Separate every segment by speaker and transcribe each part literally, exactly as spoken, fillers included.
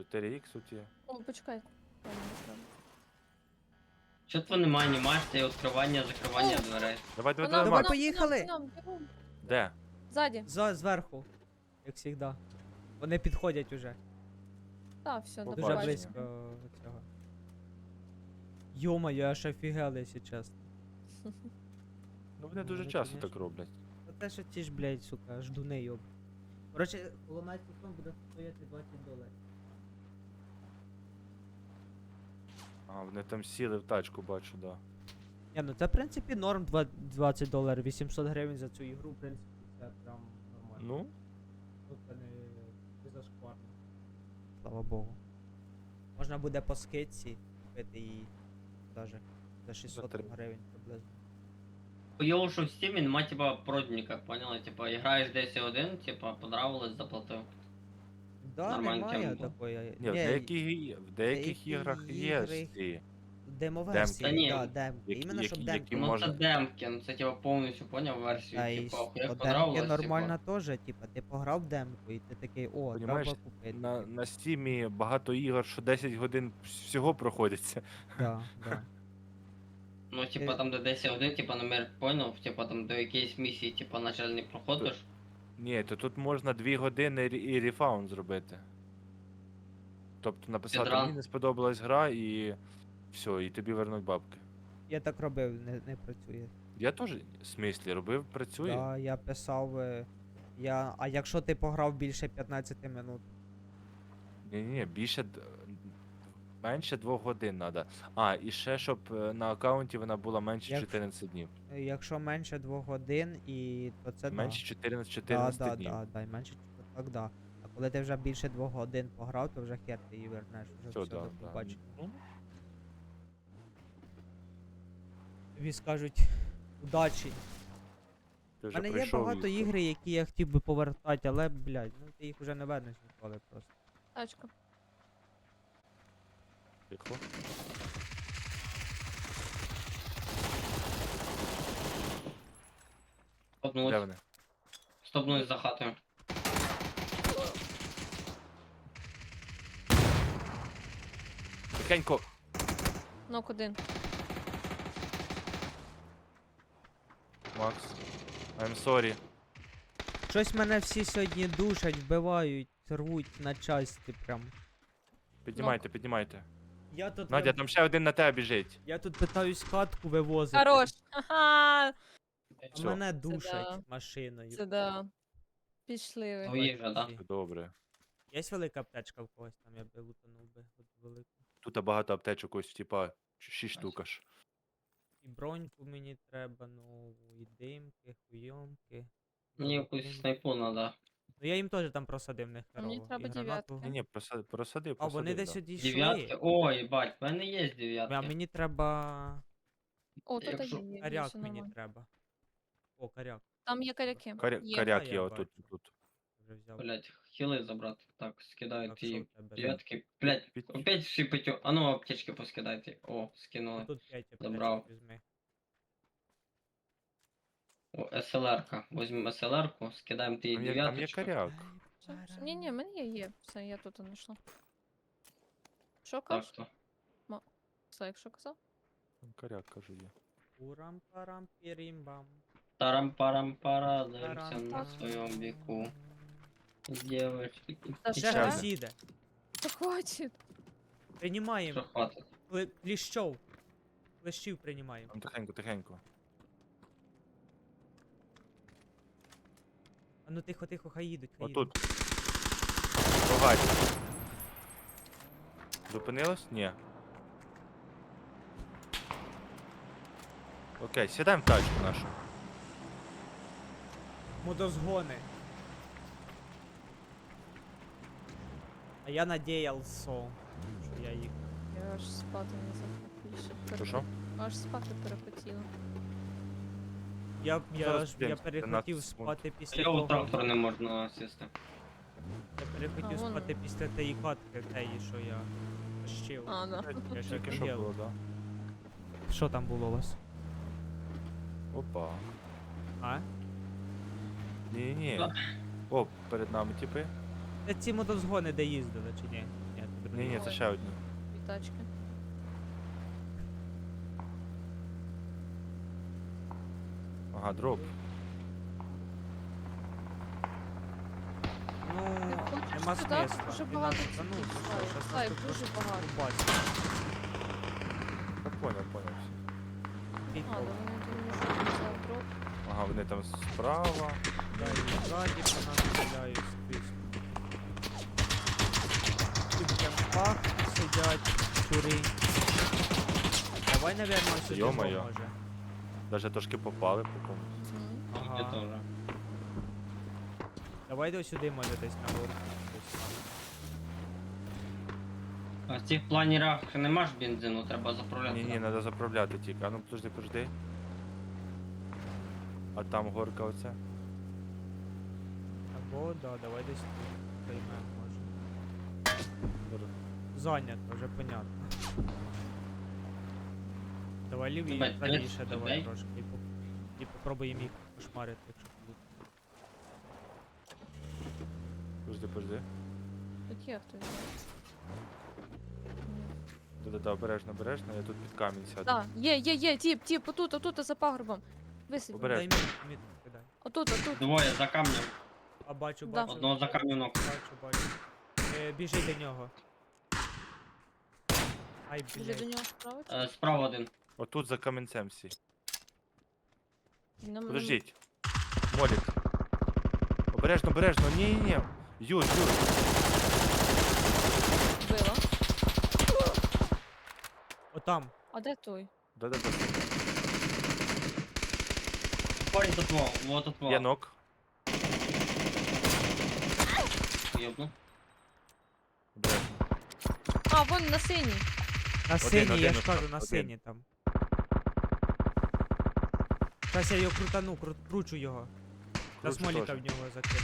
Speaker 1: чотири ікс тут є.
Speaker 2: О, почекай. Ладно, не треба.
Speaker 3: Що то немає анімації, відкривання, закривання
Speaker 2: О!
Speaker 3: дверей.
Speaker 1: Давай, давай,
Speaker 2: Вона-
Speaker 1: давай,
Speaker 4: Давай,
Speaker 2: вона-
Speaker 1: Макс.
Speaker 4: поїхали!
Speaker 2: вона- вона- бігом.
Speaker 1: Де?
Speaker 2: Ззаді.
Speaker 4: За, зверху. Як завжди. Вони підходять уже.
Speaker 2: Так, все, до
Speaker 1: Дуже
Speaker 4: Дуже
Speaker 1: бачимо.
Speaker 4: близько цього. Йома, я аж офігел, якщо чесно.
Speaker 1: Ну вони дуже
Speaker 4: Ну,
Speaker 1: часто
Speaker 4: конечно.
Speaker 1: так роблять.
Speaker 4: Та те, що ті ж, блядь, сука, ждуни йоб. Коротше, коломайський сон буде стояти двадцять доларів.
Speaker 1: А, вони там сіли в тачку, бачу, да.
Speaker 4: Ні, ну це в принципі норм два- двадцять доларів, вісімсот гривень за цю ігру, в принципі, це прям нормально.
Speaker 1: Ну,
Speaker 4: Тут це не, не зашкварно. Слава Богу. Можна буде по скидці купити її даже за шістсот
Speaker 1: три.
Speaker 4: гривень приблизно.
Speaker 3: Хуйово, що в стімі нема, типа, продніка, поняла? Типа, граєш десять один, типа, понравилось, заплатив.
Speaker 4: Да,
Speaker 3: Нормальна
Speaker 4: немає
Speaker 3: тема була.
Speaker 4: такої.
Speaker 1: ні, в деяких, і- в деяких
Speaker 4: деякі
Speaker 1: іграх є
Speaker 4: ігри-
Speaker 1: ці.
Speaker 4: Демоверсії,
Speaker 3: Та ні,
Speaker 4: да, демки.
Speaker 1: які-
Speaker 4: Іменно щоб
Speaker 1: які-
Speaker 4: демки.
Speaker 1: які
Speaker 3: Ну
Speaker 1: можна-
Speaker 3: це демки, ну це типа повністю поняв версію,
Speaker 4: Та і
Speaker 3: типа,
Speaker 4: що,
Speaker 3: хуя
Speaker 4: демки
Speaker 3: понравилось,
Speaker 4: нормально
Speaker 3: типа.
Speaker 4: теж, типа, ти пограв в демку і ти такий, о,
Speaker 1: Понімаєш,
Speaker 4: треба купити.
Speaker 1: На,
Speaker 4: типу.
Speaker 1: на стімі багато ігор, що десять годин всього проходяться.
Speaker 4: Да, да.
Speaker 3: Ну, типа,
Speaker 4: Е.
Speaker 3: там де десять один, типа, номер поняв, типа, там до якоїсь місії, типа, на жаль, не проходиш.
Speaker 1: Ні, то тут можна дві години рі- і рефаунд зробити. Тобто написати,
Speaker 3: Підран.
Speaker 1: мені не сподобалась гра і все, і тобі вернуть бабки.
Speaker 4: Я так робив, не, не працює.
Speaker 1: Я теж в смислі робив, працює.
Speaker 4: Да, я писав. е, Я... А якщо ти пограв більше п'ятнадцяти минут?
Speaker 1: Ні, ні, ні, більше д- менше двох годин треба. А, і ще щоб е, на аккаунті вона була менше
Speaker 4: Якщо-
Speaker 1: чотирнадцять днів.
Speaker 4: Е, Якщо менше двох годин, і то це
Speaker 1: Менше чотирнадцять
Speaker 4: да.
Speaker 1: чотирнадцять
Speaker 4: Да, да,
Speaker 1: днів.
Speaker 4: да, да, і менше то так, да. А коли ти вже більше двох годин пограв, то вже хер ти її вернеш, вже
Speaker 1: Все,
Speaker 4: все,
Speaker 1: да,
Speaker 4: до
Speaker 1: да.
Speaker 4: побачення.
Speaker 1: Ну,
Speaker 4: Тобі скажуть удачі.
Speaker 1: ти
Speaker 4: У
Speaker 1: вже
Speaker 4: мене є
Speaker 1: пройшов
Speaker 4: багато
Speaker 1: їх.
Speaker 4: ігри, які я хотів би повертати, але, блядь, ну ти їх вже не вернеш ніколи просто.
Speaker 2: Тачка.
Speaker 1: Тихо. Де
Speaker 3: Стопнулись,
Speaker 1: вони?
Speaker 3: стопнулись за хатою.
Speaker 1: Тихенько.
Speaker 2: Нок один.
Speaker 1: Макс. I'm sorry.
Speaker 4: Щось мене всі сьогодні душать, вбивають, рвуть на часті прям.
Speaker 1: Піднімайте, піднімайте.
Speaker 4: Я тут,
Speaker 1: Надя,
Speaker 4: вим-
Speaker 1: там ще один на тебе біжить.
Speaker 4: я тут питаюсь катку вивозити.
Speaker 2: Хорош. Ха-ха.
Speaker 4: А
Speaker 1: Всьо.
Speaker 4: мене душать
Speaker 2: да.
Speaker 4: машиною.
Speaker 2: Це да. Пішли ви.
Speaker 3: Твої вже, да?
Speaker 1: Добре.
Speaker 4: Є велика аптечка в когось там, я би лутанув би от велику.
Speaker 1: Тут багато аптечок ось, типа, шість штук аж.
Speaker 4: І броньку мені треба, нову, і димки, хуйомки.
Speaker 3: Мені
Speaker 4: нову
Speaker 3: якусь
Speaker 4: димку.
Speaker 3: снайпу надо.
Speaker 4: Ну я їм теж там просадив не
Speaker 2: А мені
Speaker 4: херово.
Speaker 2: треба
Speaker 4: і гранату.
Speaker 2: дев'ятки.
Speaker 1: Ні, ні, просадив, просадив,
Speaker 4: А вони
Speaker 1: просадив,
Speaker 4: десь
Speaker 1: да.
Speaker 4: одійшли.
Speaker 3: Дев'ятки? Ой, бать, в мене є дев'ятки.
Speaker 4: А мені треба.
Speaker 2: О, тут
Speaker 3: Якщо-
Speaker 2: є, є,
Speaker 4: Коряк
Speaker 2: все
Speaker 4: мені
Speaker 2: нормально.
Speaker 4: треба. О, коряк.
Speaker 2: Там є коряки.
Speaker 1: Коря...
Speaker 2: Є.
Speaker 1: Коряк
Speaker 4: А,
Speaker 1: є
Speaker 4: я
Speaker 1: отут.
Speaker 4: бачу.
Speaker 1: тут.
Speaker 4: Вже взяв.
Speaker 3: Блять, хіли забрати. Так, скидаю
Speaker 4: Так, що
Speaker 3: ті
Speaker 4: в тебе?
Speaker 3: дев'ятки. Блять,
Speaker 1: Під-
Speaker 3: опять шипить. А ну аптечки поскидайте. О, скинули.
Speaker 4: Тут п'ять
Speaker 3: Забрав.
Speaker 4: аптечок візьми.
Speaker 3: О, СЛР-ка. Возьмемо СЛР-ку, скидаємо ті
Speaker 1: Там є, там є
Speaker 3: дев'яточку.
Speaker 1: коряк.
Speaker 2: Все, все. Ні, ні, в мене є, є. Все, я тут знайшла. Що
Speaker 3: Так
Speaker 2: кажеш?
Speaker 3: що.
Speaker 2: Все, якщо казав?
Speaker 1: Там коряк, кажу я.
Speaker 4: Урам парам пірімбам.
Speaker 3: Тарам-парам-пара, дивимося на
Speaker 4: Тарам-пам.
Speaker 3: своєму віку. Девочки.
Speaker 2: Та
Speaker 3: і
Speaker 2: ще
Speaker 4: Ще
Speaker 2: раз?
Speaker 3: часи.
Speaker 4: сіде.
Speaker 2: Та хватить.
Speaker 4: Приймаємо.
Speaker 3: Що хватить?
Speaker 4: Кли- Кліщов. Клещів приймаємо.
Speaker 1: Там тихенько, тихенько.
Speaker 4: А ну тихо, тихо, хай їдуть, хай їдуть.
Speaker 1: Отут. Погать. Зупинилось? Ні. Окей, сідаємо в тачку нашу.
Speaker 4: Мудозгони. А я надіявся, що я їх.
Speaker 2: Я аж спати не захотіла.
Speaker 1: Що, що?
Speaker 2: Аж спати перехотіла.
Speaker 4: Я, я,
Speaker 1: Зараз
Speaker 4: ж, я
Speaker 1: подивимось,
Speaker 4: перехотів
Speaker 1: тринадцять секунд.
Speaker 4: спати після
Speaker 3: Його
Speaker 4: того.
Speaker 3: трактор не можна сісти.
Speaker 4: Я перехотів
Speaker 2: А, вон
Speaker 4: спати
Speaker 2: воно.
Speaker 4: після тієї катки, теї, що я тащив.
Speaker 2: А, да.
Speaker 4: Я ж
Speaker 1: Тільки що
Speaker 4: офігел.
Speaker 1: було, да?
Speaker 4: Що там було у вас?
Speaker 1: Опа.
Speaker 4: А?
Speaker 1: Ні-ні.
Speaker 3: Да.
Speaker 1: О, перед нами типи.
Speaker 4: Це ці мотозгони, де їздили, чи ні? Ні,
Speaker 1: Ні, ні, це ще одні.
Speaker 2: Дві тачки.
Speaker 1: Ага, дроп.
Speaker 4: Ну,
Speaker 2: Ти хочеш
Speaker 4: нема
Speaker 2: сюди?
Speaker 4: смисла.
Speaker 2: Дуже
Speaker 4: Він
Speaker 2: багато
Speaker 4: нас- та ну,
Speaker 2: цих
Speaker 4: ти що,
Speaker 2: слайд.
Speaker 4: щас нас
Speaker 2: Слайд
Speaker 4: тут
Speaker 2: дуже
Speaker 4: просто
Speaker 2: багато.
Speaker 4: рубать.
Speaker 1: Та поняв, поняв. все.
Speaker 2: А,
Speaker 4: Підпал.
Speaker 2: да вони думають, що це дроп.
Speaker 1: Ага, вони там справа.
Speaker 4: Да, і ззаді по нас стріляють скрізь. І в кемпах сидять щури. Давай, наверное, сюди
Speaker 1: Йо-моє.
Speaker 4: може.
Speaker 1: Даже трошки попали по комусь.
Speaker 2: Мгм.
Speaker 4: Ага.
Speaker 3: Я тоже.
Speaker 4: Давай до сюди, може, десь на горку. десь там.
Speaker 3: А в цих планерах нема ж бензину, треба заправляти.
Speaker 1: Ні, ні, треба заправляти тільки. А ну подожди, подожди. А там горка оця.
Speaker 4: Або, да, давай десь тут приймемо, може. Зайнято, вже понятно. Давай ліві
Speaker 3: Тебе
Speaker 4: правіше,
Speaker 3: тридцять
Speaker 4: давай
Speaker 3: людей?
Speaker 4: трошки. І, поп... і попробуємо їх кошмарити, якщо будуть.
Speaker 1: Подожди, подожди.
Speaker 2: Тут є хтось.
Speaker 1: Да-да-да, обережно, обережно, я тут під камінь сяду.
Speaker 2: Так, є, є, є, тіп, тіп, отут, отут, за пагорбом. Висип.
Speaker 1: Обережно.
Speaker 4: Дай міт, міт кидай.
Speaker 2: Отут, отут.
Speaker 3: Двоє за камнем.
Speaker 4: А бачу,
Speaker 2: Да.
Speaker 4: бачу.
Speaker 3: Одного за камнем ног.
Speaker 4: Бачу, бачу. Е, біжи до нього. Ай,
Speaker 2: Біжи до
Speaker 4: блядь.
Speaker 2: нього справа. чи?
Speaker 3: Е, Справа один.
Speaker 1: Отут за камінцем всі.
Speaker 2: Він нам-
Speaker 1: Подождіть. Молік. Обережно, обережно. Ні, ні, ні. Юр, Юр.
Speaker 2: Вбила.
Speaker 4: Отам.
Speaker 2: А де той?
Speaker 1: Да-да-да.
Speaker 3: Парень тут во, вот тут во.
Speaker 1: Є нок.
Speaker 3: Ёбну.
Speaker 1: Обережно.
Speaker 2: А, вон на синій.
Speaker 4: На
Speaker 1: Один,
Speaker 4: синій, я
Speaker 1: один
Speaker 4: ж кажу,
Speaker 1: отам,
Speaker 4: на
Speaker 1: один.
Speaker 4: синій там. Зараз я його крутану, кру- кручу його. Зараз
Speaker 1: Кручу
Speaker 4: моліка
Speaker 1: теж.
Speaker 4: в нього закину.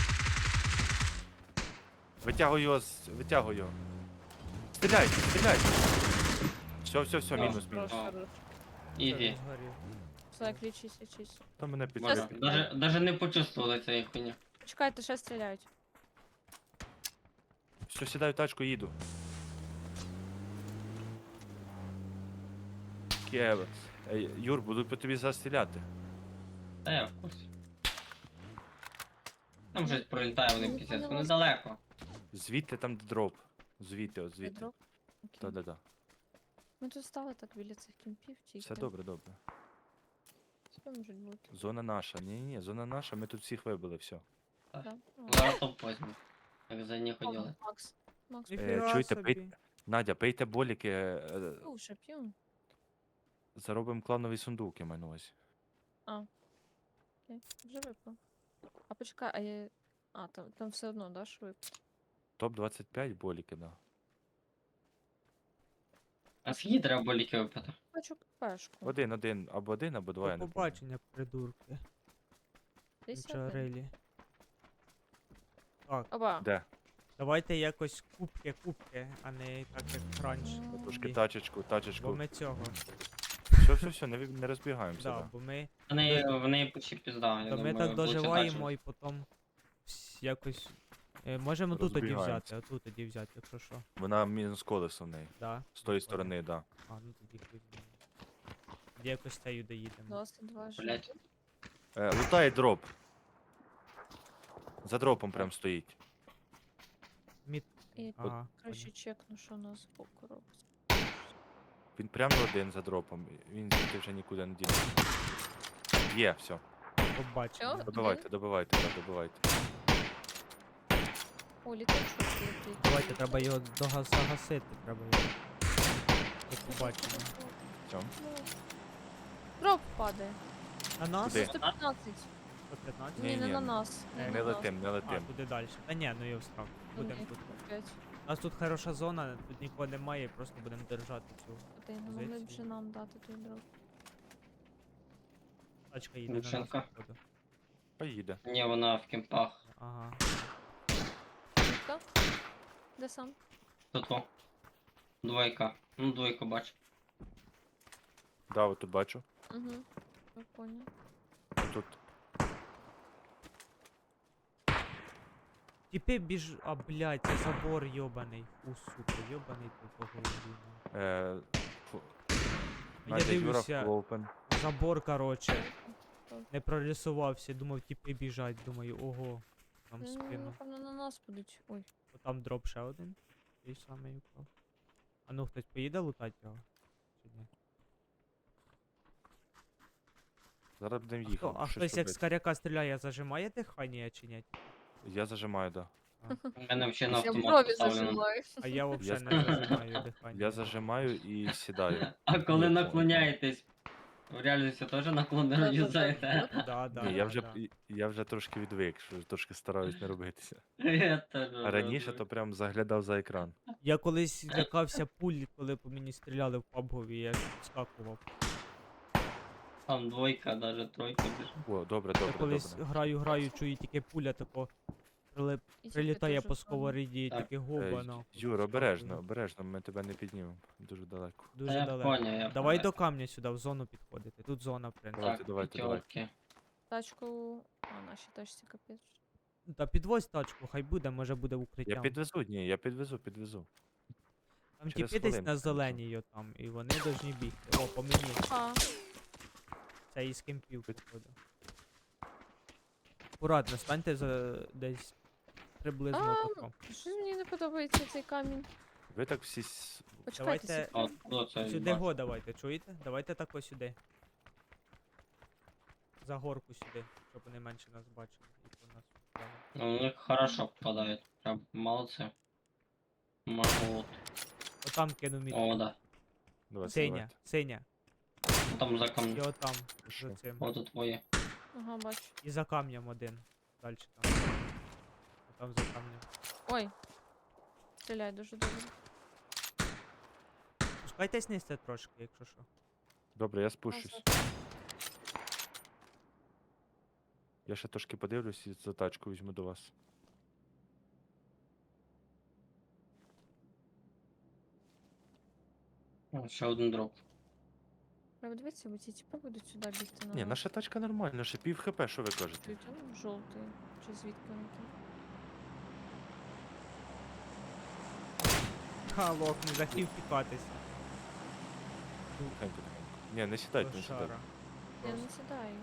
Speaker 1: Витягуй його, з- витягуй його. Стріляй, стріляй. Все, все, все,
Speaker 3: Да.
Speaker 1: мінус, мінус.
Speaker 3: А.
Speaker 2: Хорош.
Speaker 3: Ізі.
Speaker 4: Все, згорів.
Speaker 2: Все, лічись, лічись.
Speaker 1: Там мене під...
Speaker 2: Щас.
Speaker 3: Даже, даже не почувствовали цієї хуйні.
Speaker 2: Чекайте, ще стріляють.
Speaker 1: Все, сідаю в тачку, їду. Кєв. Ей, Юр, буду по тобі застріляти.
Speaker 3: Та я в курсі. Там щось пролітає, вони
Speaker 2: Не
Speaker 3: пісець.
Speaker 2: поняла.
Speaker 3: Вони далеко.
Speaker 1: Звідти там де дроп. Звідти, от звідти.
Speaker 2: Дроп? Окей.
Speaker 1: Да-да-да.
Speaker 2: Ми тут стали так біля цих кімпів, тільки.
Speaker 1: Все добре, добре.
Speaker 2: Все можуть бути.
Speaker 1: Зона наша. Ні-ні, зона наша, ми тут всіх вибили, все.
Speaker 2: Да?
Speaker 3: Зараз топ возьму. Як за них
Speaker 2: О,
Speaker 3: ходили.
Speaker 2: Макс. Макс,
Speaker 4: Ніфіга
Speaker 1: чуєте,
Speaker 4: собі.
Speaker 1: пий- Надя, пийте боліки, е,
Speaker 2: слушай, п'ю.
Speaker 1: заробимо клановий сундук, я маю на увазі.
Speaker 2: Окей, вже випав. А почекай, а я... А, там, там все одно, да, що випав?
Speaker 1: Топ двадцять п'ять боліки, да.
Speaker 3: А скільки треба боліки випити?
Speaker 2: Хочу пешку.
Speaker 1: Один, один, або один, або два, я
Speaker 4: До
Speaker 1: не пам'ятаю.
Speaker 4: побачення, придурки.
Speaker 2: Десь один.
Speaker 4: Чарелі. Так,
Speaker 2: Оба.
Speaker 1: Де?
Speaker 4: давайте якось кубки, кубки, а не так як раніше.
Speaker 2: М.
Speaker 1: Трошки
Speaker 4: Ні.
Speaker 1: тачечку,
Speaker 4: Бо
Speaker 1: тачечку.
Speaker 4: ми цього.
Speaker 1: Все, все, все, не, ви- не розбігаємося.
Speaker 4: Да,
Speaker 1: Да.
Speaker 4: бо ми,
Speaker 3: Вони, вони почти пізда. я
Speaker 4: то ми
Speaker 3: думаю,
Speaker 4: так
Speaker 3: лучше
Speaker 4: доживаємо
Speaker 3: далі.
Speaker 4: і потім вс- якось. Е, можемо тут тоді
Speaker 1: Розбігаємося.
Speaker 4: взяти, отут тоді взяти, якщо що.
Speaker 1: Вона мінус колесо в неї.
Speaker 4: Да.
Speaker 1: З тої сторони, да.
Speaker 4: А, ну тоді хуй з ним. Тоді якось тею доїдемо.
Speaker 2: двадцять два ж.
Speaker 3: Блять.
Speaker 1: Е, лутає дроп. За дропом прям стоїть.
Speaker 4: Мід.
Speaker 2: І
Speaker 4: Ага.
Speaker 2: краще чекну, що у нас збоку робиться.
Speaker 1: Він прямо один за дропом. Він звідти вже нікуди не дінеться. Є, все.
Speaker 4: Побачимо.
Speaker 2: Всьо?
Speaker 1: Добивайте, добивайте, так, добивайте.
Speaker 2: О, літачок летить.
Speaker 4: Давайте, треба його дога- загасити, треба його. До побачення.
Speaker 1: Все.
Speaker 2: Дроп падає.
Speaker 4: На нас?
Speaker 1: Куди?
Speaker 2: сто п'ятнадцять.
Speaker 4: сто п'ятнадцять?
Speaker 2: Ні, не
Speaker 1: Ні-ні.
Speaker 2: на нас.
Speaker 4: Е,
Speaker 2: Не
Speaker 1: Не
Speaker 2: на нас.
Speaker 1: летим, не
Speaker 4: А,
Speaker 1: летим.
Speaker 4: туди далі. Та ні, ну я встав.
Speaker 2: Ну,
Speaker 4: Будемо
Speaker 2: ні,
Speaker 4: тут.
Speaker 2: опять.
Speaker 4: У нас тут хороша зона, тут нікого немає, просто будемо держати цю.
Speaker 2: Ти не могли б
Speaker 4: Позиції.
Speaker 2: вже нам дати той дроп.
Speaker 4: Тачка їде на нас.
Speaker 3: Лученка.
Speaker 4: походу.
Speaker 1: Поїде.
Speaker 3: Ні, вона в кемпах.
Speaker 4: Ага.
Speaker 2: Хто? Де сам?
Speaker 3: Тут во. Двойка. Ну, двойку бачу.
Speaker 1: Да, от тут бачу.
Speaker 2: Угу. Я понял.
Speaker 1: Тут.
Speaker 4: Тіпи біж... А, блядь, це забор йобаний. Фу, сука, йобаний ти по голові. ну.
Speaker 1: Е, фу-
Speaker 4: Я
Speaker 1: Надя, Юра,
Speaker 4: дивлюся,
Speaker 1: full open.
Speaker 4: забор, короче. Не прорисувався, думав, тіпи біжать, думаю, ого. Там
Speaker 2: М,
Speaker 4: спину.
Speaker 2: Напевно, на нас будуть. Ой.
Speaker 4: О, там дроп ще один. Той самий упав. А ну хтось поїде лутати його? Чи ні?
Speaker 1: Зараз будемо
Speaker 4: А, хто,
Speaker 1: їхати.
Speaker 4: а
Speaker 1: щось
Speaker 4: хтось як з
Speaker 1: робити.
Speaker 4: каряка стріляє, зажимає дихання чи ні?
Speaker 1: Я зажимаю, да.
Speaker 3: У мене взагалі на
Speaker 2: Я
Speaker 3: автомат
Speaker 2: брові
Speaker 3: поставлено.
Speaker 2: зажимаю.
Speaker 4: А я взагалі
Speaker 1: Я
Speaker 4: не зажимаю дихання.
Speaker 1: Я зажимаю і сідаю.
Speaker 3: А коли
Speaker 1: Ні,
Speaker 3: наклоняєтесь, в реальності теж наклонно
Speaker 2: Да-да-да.
Speaker 3: юзаєте.
Speaker 4: Да, да,
Speaker 1: Ні,
Speaker 4: да,
Speaker 1: я вже,
Speaker 4: да.
Speaker 1: і- я вже трошки відвик, що трошки стараюсь не робитися.
Speaker 3: Я теж
Speaker 1: А раніше то прям заглядав за екран.
Speaker 4: Я колись лякався пуль, коли по мені стріляли в пабгові, я скакував.
Speaker 3: Там двойка, даже тройка біжить.
Speaker 1: О, добре,
Speaker 4: Я
Speaker 1: добре,
Speaker 4: колись
Speaker 1: добре.
Speaker 4: граю, граю, чую тільки пуля тако прилип-
Speaker 2: І тіпи
Speaker 4: прилітає
Speaker 2: теж
Speaker 4: по
Speaker 2: там.
Speaker 4: сковоріді,
Speaker 3: Так.
Speaker 4: таке
Speaker 1: Е,
Speaker 4: губа, ну.
Speaker 1: Юр, обережно, обережно, ми тебе не піднімемо. Дуже далеко.
Speaker 3: Та
Speaker 4: Дуже
Speaker 3: я
Speaker 4: далеко.
Speaker 3: поняв, я
Speaker 4: Давай
Speaker 3: поняв.
Speaker 4: до камня сюди, в зону підходити. Тут зона, в принципі.
Speaker 1: Давайте,
Speaker 3: Так,
Speaker 1: давайте, давайте.
Speaker 3: п'ятерки.
Speaker 2: Тачку. А, наші тачці капець.
Speaker 4: Та підвозь тачку, хай буде, може буде
Speaker 1: Я
Speaker 4: укриттям.
Speaker 1: підвезу, ні, я підвезу, підвезу.
Speaker 4: Там
Speaker 1: через
Speaker 4: тіпи десь
Speaker 1: хвилинку
Speaker 4: на
Speaker 1: підвезу.
Speaker 4: зеленій йо там, і вони должні бігти. О, по мені.
Speaker 2: А,
Speaker 4: Це із кемпів
Speaker 1: Під-
Speaker 4: підходить. Акуратно, станьте за десь приблизно
Speaker 2: А,
Speaker 4: тако.
Speaker 2: щось мені не подобається цей камінь.
Speaker 1: Ви так всі. с-
Speaker 2: Почекайте
Speaker 4: Давайте-
Speaker 2: секунду.
Speaker 3: А, хто це
Speaker 4: Сюди
Speaker 3: бачить?
Speaker 4: го давайте, чуєте? Давайте тако сюди. За горку сюди, щоб вони менше нас бачили. І по нас впали.
Speaker 3: Ну, у них хорошо попадает. Прям молодцы. Могут.
Speaker 4: Отам кину мітку.
Speaker 3: О, да.
Speaker 1: Давайте,
Speaker 4: Синя,
Speaker 1: давайте.
Speaker 4: синя.
Speaker 3: Там за
Speaker 4: І
Speaker 3: камнем.
Speaker 4: отам,
Speaker 1: Що?
Speaker 4: за цим.
Speaker 3: Вот тут твоє.
Speaker 2: Ага, бачу.
Speaker 4: І за камнем один. Далі там. Отам за камнем.
Speaker 2: Ой. Стріляй дуже добре.
Speaker 4: Пускайтесь нижче трошки, якщо що.
Speaker 1: Добре, я спущусь.
Speaker 2: Назад.
Speaker 1: Я ще трошки подивлюсь і за тачку візьму до вас.
Speaker 3: О, ще один дроп.
Speaker 2: Треба дивитися, бо ці тіпи будуть сюди бігти на
Speaker 1: Ні,
Speaker 2: нас.
Speaker 1: наша тачка нормальна, ще пів хп, що ви кажете?
Speaker 2: Чують, а ну, жовтий. Чи звідки вони там?
Speaker 4: Ха, лох, не захотів пікатися.
Speaker 1: Тихенько, тихенько. Ні, не сідайте, не сідайте.
Speaker 4: Лошара.
Speaker 2: Я не сідаю.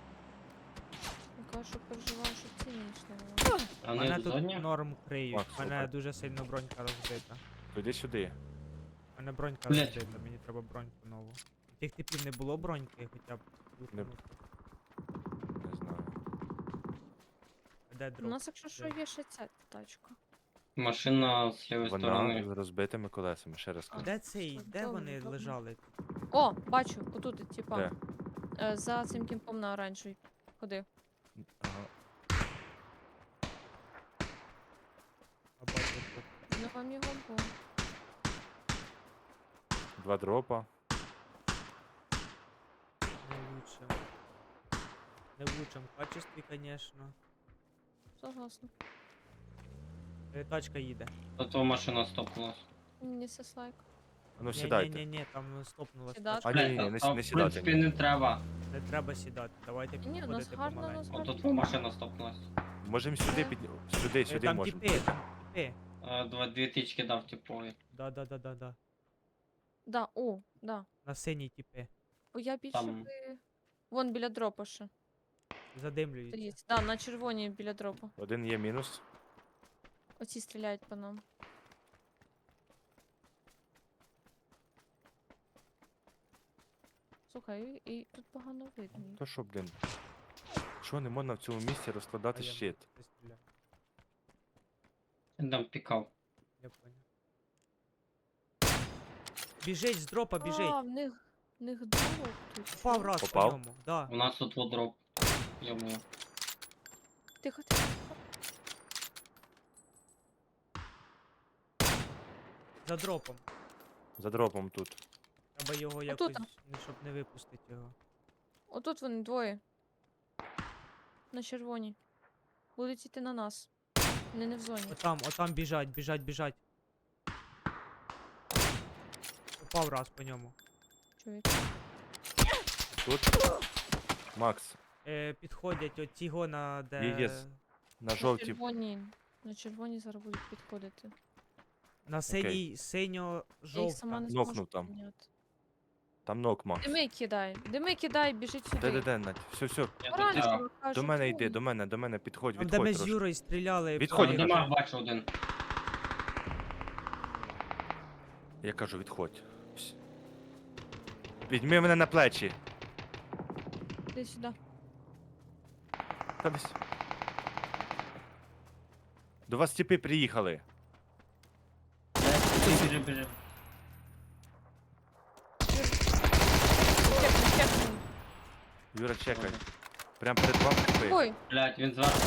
Speaker 2: Я кажу, що переживаю, що ці не йшли.
Speaker 3: А
Speaker 4: Мене
Speaker 3: вони в
Speaker 4: тут
Speaker 3: зоні?
Speaker 4: норм криють.
Speaker 1: Макс,
Speaker 4: Мене
Speaker 1: слухай.
Speaker 4: дуже сильно бронька розбита.
Speaker 1: Тоді сюди.
Speaker 4: Мене бронька
Speaker 3: Блядь.
Speaker 4: розбита, мені треба броньку нову. У тих типів не було броньки, хоча б. лутанути.
Speaker 1: Не знаю.
Speaker 4: А де
Speaker 2: У
Speaker 4: дроп?
Speaker 2: нас, якщо що, є ще ця тачка.
Speaker 3: Машина з лівої
Speaker 1: Вона
Speaker 3: сторони.
Speaker 1: з розбитими колесами, ще раз
Speaker 2: А.
Speaker 1: кажу.
Speaker 4: Де цей?
Speaker 2: Що,
Speaker 4: Де
Speaker 2: добре,
Speaker 4: вони
Speaker 2: добре.
Speaker 4: лежали?
Speaker 2: О, бачу, отут, типа.
Speaker 1: Де?
Speaker 2: Е, за цим кімпом на оранжевій. Ходи.
Speaker 1: Ага.
Speaker 4: А бачу тут.
Speaker 2: Не вам його бо.
Speaker 1: Два дропа.
Speaker 4: Не в лучшем. Не в лучшем качестві, конечно.
Speaker 2: Согласна.
Speaker 4: Е, Тачка їде.
Speaker 3: Тут твоя машина стопнулась.
Speaker 2: Мені сеслайк.
Speaker 1: Ну
Speaker 4: Ні,
Speaker 1: сідайте.
Speaker 4: ні, ні, там стопнулась
Speaker 2: Сідати?
Speaker 4: тачка.
Speaker 1: А ні, ні, ні, не,
Speaker 3: а,
Speaker 1: с- не
Speaker 3: в
Speaker 1: сідайте.
Speaker 3: принципі,
Speaker 1: ні.
Speaker 3: не треба.
Speaker 4: Не треба сідати. Давайте
Speaker 2: Ні, у нас
Speaker 4: підходити
Speaker 2: гарно
Speaker 4: помаленьку.
Speaker 2: роз-
Speaker 3: О, тут твоя машина стопнулась.
Speaker 1: Можемо сюди під... Сюди,
Speaker 4: Е,
Speaker 1: сюди
Speaker 4: Там
Speaker 1: можемо.
Speaker 4: тіпи, там тіпи.
Speaker 3: Е, Два, дві тички дав типові.
Speaker 4: Да, да, да, да, да.
Speaker 2: Да, о, да.
Speaker 4: На синій тіпи.
Speaker 2: Бо я більше
Speaker 3: Там-
Speaker 2: би... Вон біля дропа ще.
Speaker 4: Задимлюється.
Speaker 2: Стоїть. Да, на червоній біля дропа.
Speaker 1: Один є мінус.
Speaker 2: Оці стріляють по нам. Слухай, і, і тут погано видно. їх.
Speaker 1: То що, блін? Що не можна в цьому місці розкладати
Speaker 4: А я
Speaker 1: щит?
Speaker 4: не стріляю.
Speaker 3: Він там пікав.
Speaker 4: Я понял. Біжить з дропа, біжить.
Speaker 2: А, в них, в них дроп тут.
Speaker 4: Попав раз
Speaker 1: Попав?
Speaker 4: по ньому. Да.
Speaker 3: У нас тут вот дроп. Йому.
Speaker 2: Тихо, тихо.
Speaker 4: За дропом.
Speaker 1: За дропом тут.
Speaker 4: Треба його якось,
Speaker 2: Отута.
Speaker 4: не- щоб не випустити його.
Speaker 2: Отут вони двоє. На червоній. Будуть йти на нас. Вони не в зоні.
Speaker 4: Отам, отам біжать, біжать, біжать. Попав раз по ньому.
Speaker 2: Чуєте?
Speaker 1: Тут. Макс,
Speaker 4: Е, підходять от ті гона, де.
Speaker 1: Є, є. на
Speaker 2: На
Speaker 1: жовтій.
Speaker 2: червоній. На червоні зараз будуть підходити.
Speaker 4: На синій, синьо
Speaker 2: Я їх сама
Speaker 4: жовта.
Speaker 2: не зможу
Speaker 1: Нокнув там.
Speaker 2: підняти.
Speaker 1: Там нок, Макс.
Speaker 2: Дими кидай, дими кидай, біжить сюди.
Speaker 1: Де-де-де, Надь. Все, все.
Speaker 3: Я тут
Speaker 2: Оранжево,
Speaker 3: взяв.
Speaker 2: кажу,
Speaker 1: До мене
Speaker 2: чому?
Speaker 1: йди, до мене, до мене, підходь,
Speaker 4: Там, де ми
Speaker 1: відходь
Speaker 4: з
Speaker 1: трошки.
Speaker 4: Юрою стріляли.
Speaker 1: Відходь,
Speaker 3: В
Speaker 1: я
Speaker 4: по-
Speaker 3: димах бачу один.
Speaker 1: Я кажу, відходь. Всь. Візьми мене на плечі.
Speaker 2: Іди сюди.
Speaker 1: Та десь. До вас тіпи приїхали.
Speaker 3: Біжи, біжи.
Speaker 2: Чекни, чекни.
Speaker 1: Юра, чекай. Прям перед вами тіпи.
Speaker 2: Ой,
Speaker 3: Блять, він зверху.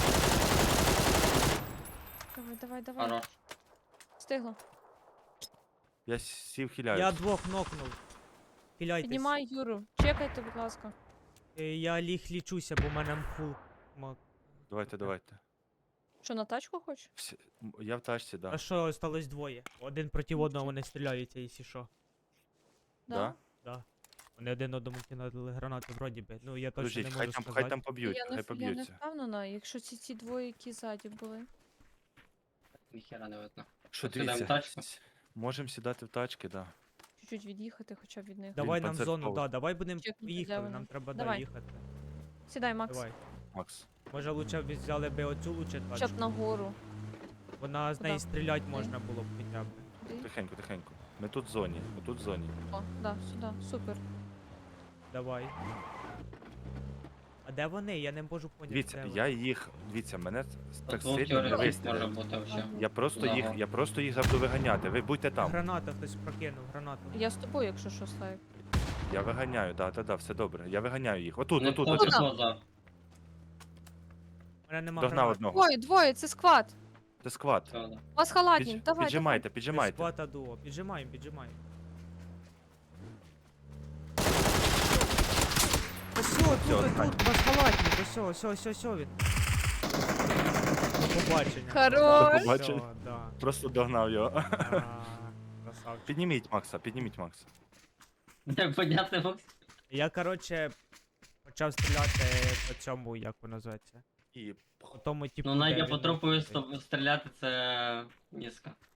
Speaker 2: давай, давай, давай.
Speaker 3: Хорош.
Speaker 2: Стигло.
Speaker 1: Я сів хиляюсь.
Speaker 4: Я двох нокнув. Хиляйтесь.
Speaker 2: Піднімай Юру. Чекайте, будь ласка.
Speaker 4: Е, Я ліг лічуся, бо в мене мфул. Мак.
Speaker 1: Давайте, давайте.
Speaker 2: Що, на тачку хочеш?
Speaker 1: Всі- м, Я в тачці, да.
Speaker 4: А що, осталось двоє. Один проти одного вони стріляються, якщо що.
Speaker 1: Да?
Speaker 4: Да. Вони один одному кинули гранати вроді би. Ну я точно
Speaker 1: Подождіть,
Speaker 4: не
Speaker 1: хай
Speaker 4: можу
Speaker 1: там,
Speaker 4: сказати.
Speaker 1: хай там поб'ють,
Speaker 2: Я не,
Speaker 1: хай
Speaker 2: в- я не
Speaker 1: поб'ються.
Speaker 2: впевнена, якщо ці ці двоє, які ззаді були.
Speaker 3: Ніхера не видно.
Speaker 1: Що
Speaker 3: От сідаємо в
Speaker 1: дивіться,
Speaker 3: тачку.
Speaker 1: с- можемо сідати в тачки, да.
Speaker 2: Чуть-чуть від'їхати хоча б від них.
Speaker 4: Давай
Speaker 1: Він
Speaker 4: нам в зону,
Speaker 1: концертовий.
Speaker 4: да, давай будемо
Speaker 2: Чекнути, де
Speaker 4: їхати,
Speaker 2: вони.
Speaker 4: нам треба
Speaker 2: Давай.
Speaker 4: доїхати.
Speaker 2: Сідай, Макс.
Speaker 4: Давай.
Speaker 1: Макс.
Speaker 4: Може лучше б взяли би оцю лучше
Speaker 2: Хоча б
Speaker 4: тачку.
Speaker 2: нагору.
Speaker 4: Вона з
Speaker 2: Куда?
Speaker 4: неї стріляти можна було б хоча б.
Speaker 2: Туди.
Speaker 1: Тихенько, тихенько. Ми тут в зоні, ми тут в зоні.
Speaker 2: О, да, сюди, супер.
Speaker 4: Давай. А де вони? Я не можу поняти.
Speaker 1: Дивіться,
Speaker 4: де
Speaker 1: я їх. Дивіться, мене так
Speaker 3: Тут двох
Speaker 1: сильно не
Speaker 3: теоретик може
Speaker 1: вистрілили.
Speaker 3: бути вообще.
Speaker 1: Я просто їх,
Speaker 3: Ага.
Speaker 1: я просто їх завжди виганяти. Ви будьте
Speaker 4: вони.
Speaker 1: там.
Speaker 4: Граната хтось прокинув, гранату.
Speaker 2: Я з тобою, якщо що, Слайк.
Speaker 1: Я виганяю, да, да, да, все добре. Я виганяю їх. Отут,
Speaker 3: Не
Speaker 1: отут,
Speaker 3: хоче
Speaker 1: отут.
Speaker 3: поза.
Speaker 4: У мене нема
Speaker 1: Догнав
Speaker 4: гранат.
Speaker 1: одного.
Speaker 2: Двоє, двоє, це сквад.
Speaker 1: Це сквад.
Speaker 3: Все, да.
Speaker 2: У вас халатні,
Speaker 1: Підж-
Speaker 2: давай,
Speaker 1: Піджимайте,
Speaker 4: Ми
Speaker 1: піджимайте.
Speaker 4: Схвата дуо. Піджимаємо, піджимаємо. Ось все, тут,
Speaker 1: Всё,
Speaker 4: тут, вас халатні, ось все, все, все, все він. До побачення.
Speaker 2: Хорош.
Speaker 1: До побачення.
Speaker 4: Всё, да.
Speaker 1: Просто догнав його.
Speaker 4: А, красавчик.
Speaker 1: Підніміть Макса, підніміть Макса.
Speaker 3: Не понятно, Макс.
Speaker 4: Я, короче, почав стріляти по цьому, як воно називається.
Speaker 1: І
Speaker 4: По тому, типу,
Speaker 3: Ну,
Speaker 4: де
Speaker 3: Надя
Speaker 4: він
Speaker 3: по трупу
Speaker 4: нокнутий.
Speaker 3: стріляти це низько.